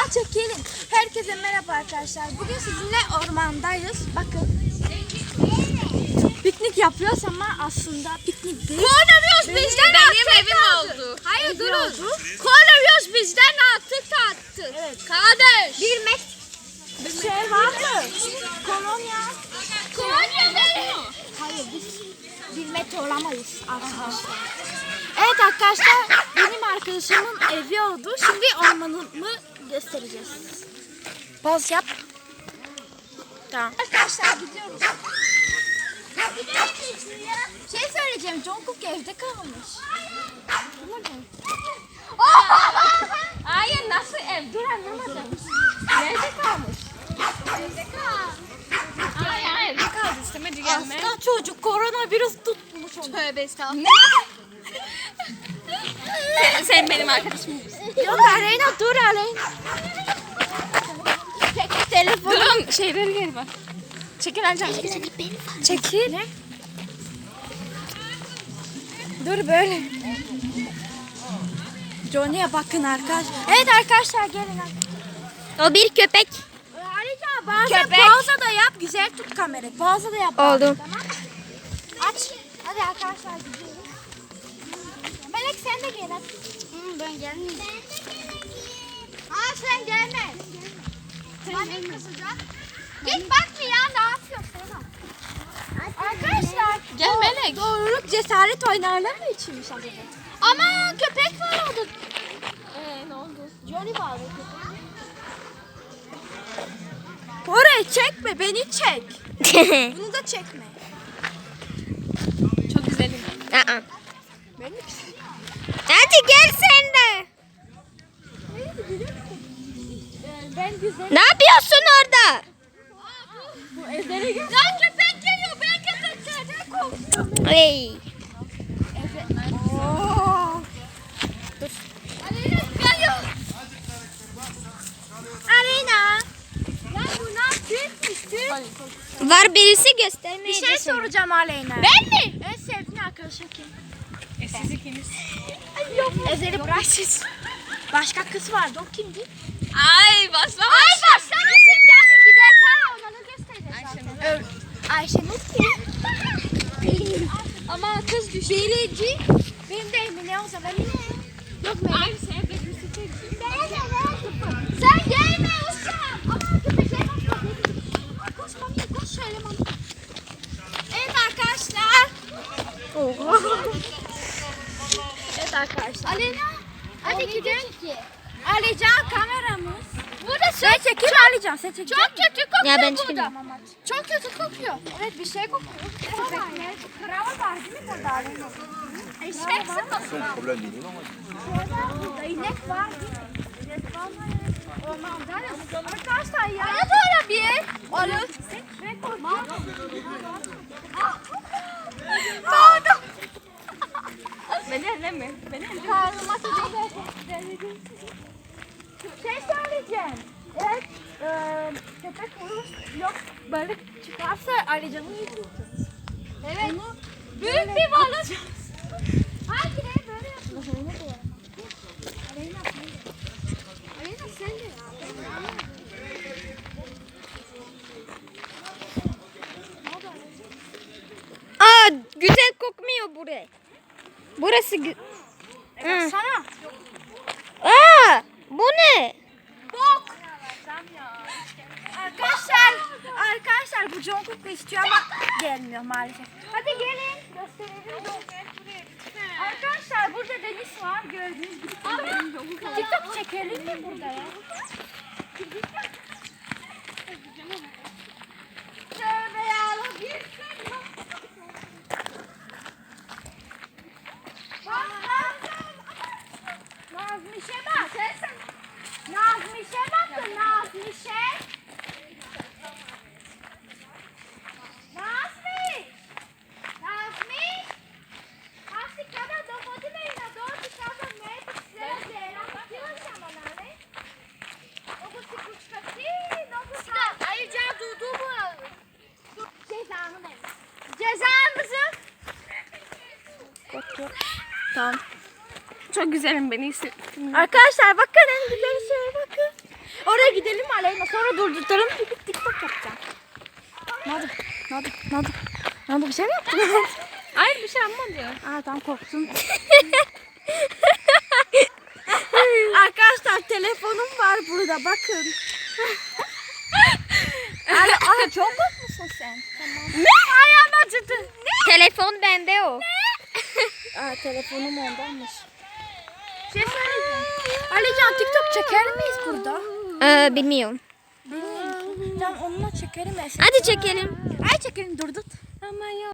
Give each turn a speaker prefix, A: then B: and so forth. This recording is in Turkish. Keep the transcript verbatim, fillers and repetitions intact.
A: Ya çekelim. Herkese merhaba arkadaşlar. Bugün sizinle ormandayız. Bakın. Piknik yapıyoruz ama aslında piknik değil.
B: Koronavirüs bizden
C: Benim
B: artık
C: evim
B: aldı.
C: oldu.
B: Hayır
A: Evi
B: durun.
A: oldu.
B: Koronavirüs bizden artık attı.
A: Evet.
B: Kardeş.
A: Bir met bir şey var mı? Kolonya.
B: Kolonya değil.
A: Hayır biz bir metre olamayız arkadaşlar. Evet arkadaşlar benim arkadaşımın evi oldu. Şimdi ormanımı göstereceğiz. Poz yap. Tamam. Arkadaşlar gidiyoruz. Şey söyleyeceğim. Jungkook evde kalmış.
B: Hayır nasıl ev? Dur anlamadım. Nerede kalmış?
A: Evde kal.
C: Hayır hayır evde kaldı istemedi gelme.
A: Hasta çocuk koronavirüs tutmuş onu.
C: Tövbe estağfurullah. sen, sen benim arkadaşım mısın?
A: Yok Aleyna dur Aleyna. Çek telefonu.
C: Durun şeyleri geri bak. Çekil Alcan çekil çekil.
A: Çekil. Ne? Dur böyle. Johnny'e bakın arkadaşlar. Evet arkadaşlar gelin.
C: O bir köpek.
A: Ayrıca bazen
C: Köpek.
A: pauza da yap. Güzel tut kamerayı. Pauza da yap.
C: Oldu.
A: Tamam. Aç. Hadi arkadaşlar gidiyoruz. Melek sen de gel hadi.
B: Hı, ben gelmeyeyim. Aa sen gelme. Annem kızacak. Git bak bir ya ne yapıyorsun?
A: Arkadaşlar.
C: Gel
A: o
C: Melek.
A: Doğruluk cesaret oynarlar mı içinmiş acaba?
B: Ama köpek var orada.
C: Ee, ne oldu?
A: Johnny bağlı köpek. Orayı çekme beni çek. Bunu da çekme.
C: Çok güzelim.
D: Aa.
A: Beni
D: Hadi gel sen de.
A: Ben güzel.
D: Ne yapıyorsun orada?
A: Bu evlere gel.
B: Lan köpek geliyor. Ben köpeklerden korkuyorum.
D: Hey.
A: Oo.
B: Aleyna geliyor.
A: Arena. Ya bu ne yapıyorsun?
D: Var birisi göstermeye.
A: Bir şey soracağım Aleyna.
B: Ben mi?
A: En sevdiğin arkadaşın kim?
C: E siz ikiniz.
A: Ezeli Braşis. Başka kız vardı o kimdi?
C: Ay baslama.
B: Ay başlama şimdi hadi gidelim ha. Ona da göstereceğiz zaten.
A: Ö Ayşenur kim? Ama kız düştü. Birinci. Benim de Emine o zaman. Emine. Yok mu?
C: Ay sen de birisi çeksin.
B: Sen gelme uşağım. Ama köpekler bakma. Koş mami koş şöyle mami.
A: Evet arkadaşlar. Evet arkadaşlar.
B: Aleyna. Hadi gidelim.
A: Alican kameramız.
B: Burada
A: Sen çekil Alican sen çekil.
B: çok kötü kokuyor
D: Ya ben
B: burada.
D: çıkayım.
B: Çok kötü kokuyor.
A: Evet bir şey kokuyor. Köpekler. Krava var değil mi burada Aleyna?
B: Eşek sıkmasın.
E: Problem değil ama.
A: Burada inek var değil mi? İnek var mı? Ormandayız. Arkadaşlar ya.
B: Bana doğru bir.
A: Olur. Ben korkuyorum.
B: Pardon.
C: Beni elleme. Beni elleme.
A: Karnıma sıcak. Şey söyleyeceğim. Evet. E, köpek vurur. Yok balık çıkarsa Alican'ı yiyeceğiz.
B: Evet.
A: Bunu
B: Büyük bir balık. Hadi ne böyle yapıyorsun?
A: Aleyna sen de.
B: Aleyna sen de.
D: Aa, güzel kokmuyor buraya. Burası gü-
A: Evet, sana.
D: Aa, bu ne?
A: Bok. Arkadaşlar, arkadaşlar bu Jungkook da istiyor ama gelmiyor maalesef. Hadi gelin gösterelim. Arkadaşlar burada deniz var gördüğünüz gibi. TikTok çekelim mi burada ya? Tövbe yarabbim. Nazmiş'e bak. Nazmiş'e bakın Nazmiş'e. Nazmi. Nazmi. Asi kada dogodila i na dođi kada meti sve zela. Htjela sam onale. Mogu si kučkati, mogu si...
B: Ayrıca durdu mu?
A: Cezanı ver. Cezamızı.
C: Tamam. Çok güzelim beni hissettim.
A: Arkadaşlar bakın en güzel şeye bakın. Hadi gidelim Aleyna. Sonra durdurtalım. Çünkü TikTok yapacağım. Ne oldu? Ne oldu? Ne oldu? Ne oldu? Bir şey mi yaptın?
C: Hayır bir şey yapmadı.
A: Aa tam korktum. Arkadaşlar telefonum var burada bakın. Ay, ay çok korkmuşsun sen. Tamam. Ne? Ayağım acıdı. Ne?
D: Telefon bende o.
A: Aa telefonum ondanmış. Şey söyleyeceğim. Alican TikTok çeker miyiz burada?
D: Ee, bilmiyorum.
A: Bilmiyorum. Tamam onunla çekerim.
D: Hadi çekelim.
A: Ay çekelim dur dur.
C: Ama yok.